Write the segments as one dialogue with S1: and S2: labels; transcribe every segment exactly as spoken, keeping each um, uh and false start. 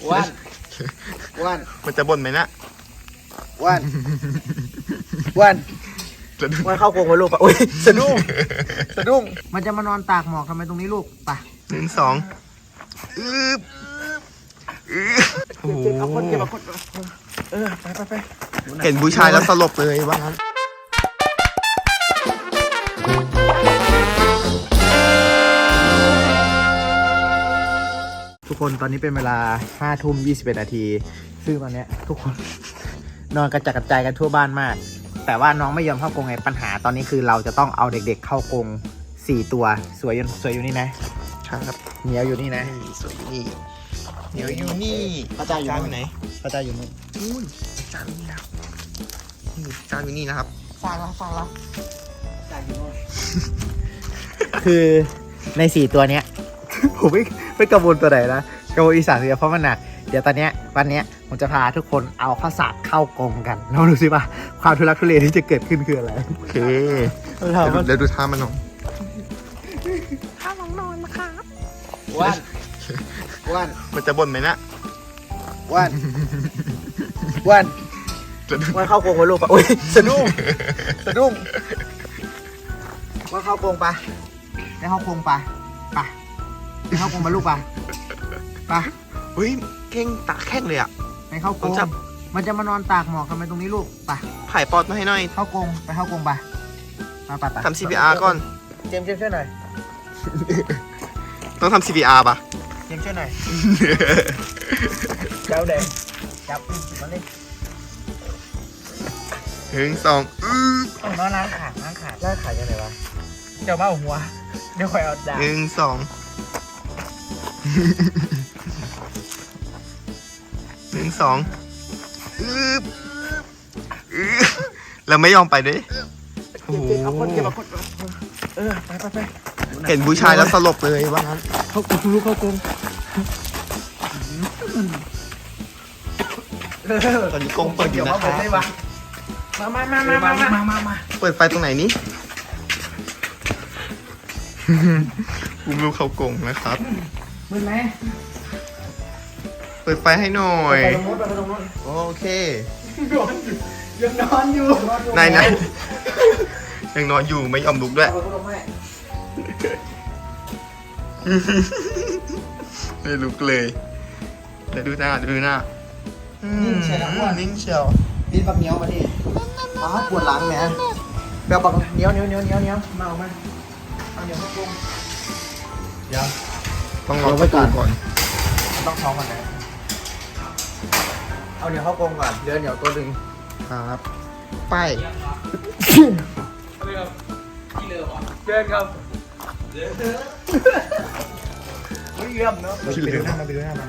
S1: อ้วนอ้วน
S2: มันจะบ่นไหมนะ
S1: อ้วนอ้วนอ้วนเข้าโกงไว้ลูกปะอุ้ยสะดุ้งสะดุ้งมันจะมานอนตากหมอกทำไมตรงนี้ลูกปะ
S2: หนึ่งสองอืบอืบโอ้โห
S1: เออไปไปไป
S2: เห็นผู้ชายแล้วสลบเลยว่างั้น
S1: ทุกคนตอนนี้เป็นเวลาห้าทุ่มยี่สิบเอ็ดนาทีซึ่งตอนนี้ทุกคนนอนกระจัดกระจายกันทั่วบ้านมากแต่ว่าน้องไม่ยอมเข้ากรงไงปัญหาตอนนี้คือเราจะต้องเอาเด็กๆเข้ากรงสี่ตัวสวยอยู่สวยอยู่นี่นะครับเหนียวอยู่นี่นะ
S2: สวยอยู่นี่เหนียวอยู่นี่
S1: พระเจ้าอยู่
S2: ไหน
S1: พระเจ้าอยู่นี่
S2: อุ้ยจานนี่นะครับนี่จานอยู่นี่นะครับ
S1: ฟังแล้วฟังแล้วจานอยู่นี่คือในสี่ตัวเนี้ยผมไม่ไม่กังวลตัวไหนนะกังวลอีสานเลยเพราะมันหนักเดี๋ยวตอนเนี้ยวันเนี้ยผมจะพาทุกคนเอาข้าวสารเข้ากรงกันลองดูสิว่าความทุลักทุเลที่จะเกิดขึ้นคืออะไร
S2: โอเคเดี๋ยวดูท่ามันหน่อย
S1: ท่าน้องนอนนะครับอ้วนอ้วน
S2: มันจะบ่นไหมนะ
S1: อ้วนอ้วนอ้วนเข้ากรงไว้ลูกปะอุ้ยสะดุ้งสะดุ้งอ้วนเข้ากรงปะได้เข้ากรงปะปะได้เข้ากรงมาลูกปะปะ
S2: เฮ้ยเก่งตาแข้งเลยอ่ะ
S1: ไปเข้ากรงมันจะมานอนตากหมอกทำไมตรงนี้ลูกปะ
S2: ถ่ายปอดมาให้หน่อย
S1: เข้ากรงไปเข้ากรงปะมาปะ
S2: ทำ ซี พี อาร์ ก่อน
S1: เจมส์เจมส์ช่วยหน่อย
S2: ต้องทำ ซี พี อาร์ ป่ะ
S1: เจมส์ช่วยหน่อยเจ้าแดงจับมันเลย
S2: หนึ่งสองอื้
S1: อนอนล้างขาล้างขาล้างขายังไงวะเจ้าบ้าหัวเดี๋ยวคอยเอาดาบ
S2: หนึ่งสองหนึ่งสองอื้ออื้อเราไม่ยอมไปด้วย
S1: โอ้โหเออไปไปไป
S2: เห็นผู้ชายแล้วสลบเลยว่างั้น
S1: เข้ากรงลูกเข้ากรง
S2: ตอนนี้กรงเปิดอยู่นะครับ
S1: มามามามามามามามา
S2: เปิดไฟตรงไหนนี้อุ้มลูกเข้ากรงนะครับ
S1: มืดไหม
S2: เปิดไฟให้หน่อย
S1: ไปตรงนู้นไปตรงนู้น
S2: โอเค
S1: ยังนอนอยู่
S2: นายนายยังนอนอยู่ไม่ยอมลุกด้วยไม่ลุกเลยเดี๋ยวดูหน้าดูหน้า
S1: นิ่งเชียวนะว่า
S2: นิ่งเชียว
S1: ดิ้นปักเหนียวมาดิอ๋อปวดหลังเนี่ยเดี๋ยวปักเหนียวเหนียวเหนียวเหนียวเหนียวมาเอามาเอาเหนียวเข้ากรงเดี๋ยว
S2: ต้องรอไว้ก่อนก่อน
S1: ต้องท้องก่อนนะเอาเหนียวเข้ากรงก่อนเดี๋ยวเหนียวตัวหนึ่ง
S2: ครับไป
S1: เรือที่เรือก่อนเดินครับเดินไม่เยี่ยมเนาะ
S2: ที่เรือ
S1: มาไปดูหน้ามา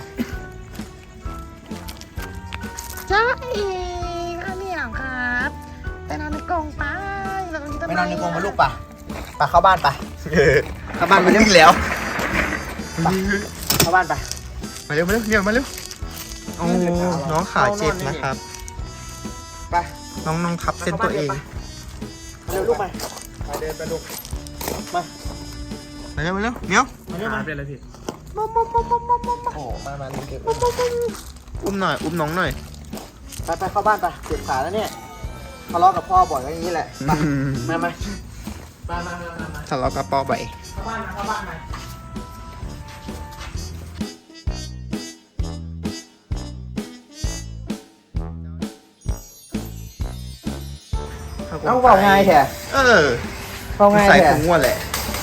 S3: จ้าเอ๋อันนี้ครับไปนอนในกรงไปแล้วก็
S1: ไปนอนในกรงมาลูกป่ะป่ะเข้าบ้านป่ะเข้าบ้านมาเร็วแล้วเข้าบ้านป่ะ
S2: มาเร็วมาเร็วเนี่ยมาเร็วโอ้น้องขาเจ็บนะครับ
S1: ไป
S2: น้องน้องทับเส้นตัวเอง
S1: เร็วลูกไปมาเดินไปลูกมา
S2: มาเร็วมาเร็วเมียว
S1: มาเร็วมาเป็นอะไรพี่
S3: มมมมมมม
S1: โอ้มามาเก็บ
S2: อุ้มหน่อยอุ้มน้องหน่อย
S1: ไปไปเข้าบ้านไปเจ็บขาแล้วเนี่ยทะเลาะกับพ่อบ่อยอย่างนี้แหละมามามามามามา
S2: ทะเลาะกับพ่อบ่อย
S1: เข้าบ้านมาเข้าบ้านมาเอาเบาง่ายแท้
S2: เออ
S1: เบาง่ายแท้
S2: ใส่ถุงวัวแหละ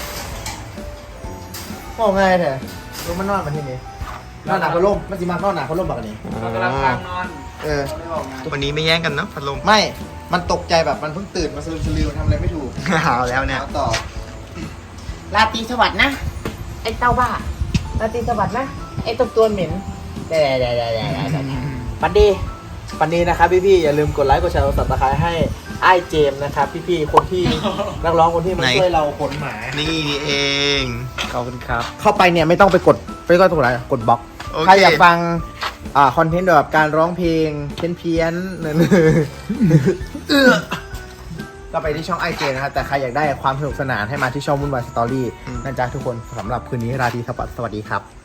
S1: เบาง่ายแท้ลงมันนอนมาที่นี่นอนหนาพัดลมมันสิมานอนหนาพัดลมแบบนี้กำลังกลางนอนเออ
S2: วันนี้ไม่แย่งกันเนาะพัดลม
S1: ไม่มันตกใจแบบมันเพิ่งตื่นมาสลืมสลือมันทำอะไรไม่ถูก
S2: หาวแล้วเนี่ย
S1: ต่อ
S3: ลาตีสวัสดิ์นะไอ้เต้าบ้าลาตีสวัสดิ์นะไอ้ตัวตัวเหม็น
S1: ได้ได้ได้ได้ปันดีปันดีนะครับพี่ๆอย่าลืมกดไลค์กดแชร์กดซับสไครต์ให้ไอ้เจมนะครับพี่ๆคนที่นักร้องคนที่มาช่วยเราขนหมา
S2: นี่นี่เองขอบคุณครับ
S1: เข้าไปเนี่ยไม่ต้องไปกดไปก็ตรงไหนกดบล็อกใครอยากฟังอ่าคอนเทนต์แบบการร้องเพลงเพี้ยนเพี้ยนเนื้อก็ไปที่ช่องไอเจนะครับแต่ใครอยากได้ความสนุกสนานให้มาที่ช่องวุ่นวายสตอรี่นะจ๊ะทุกคนสำหรับคืนนี้ราตรีสวัสดีครับ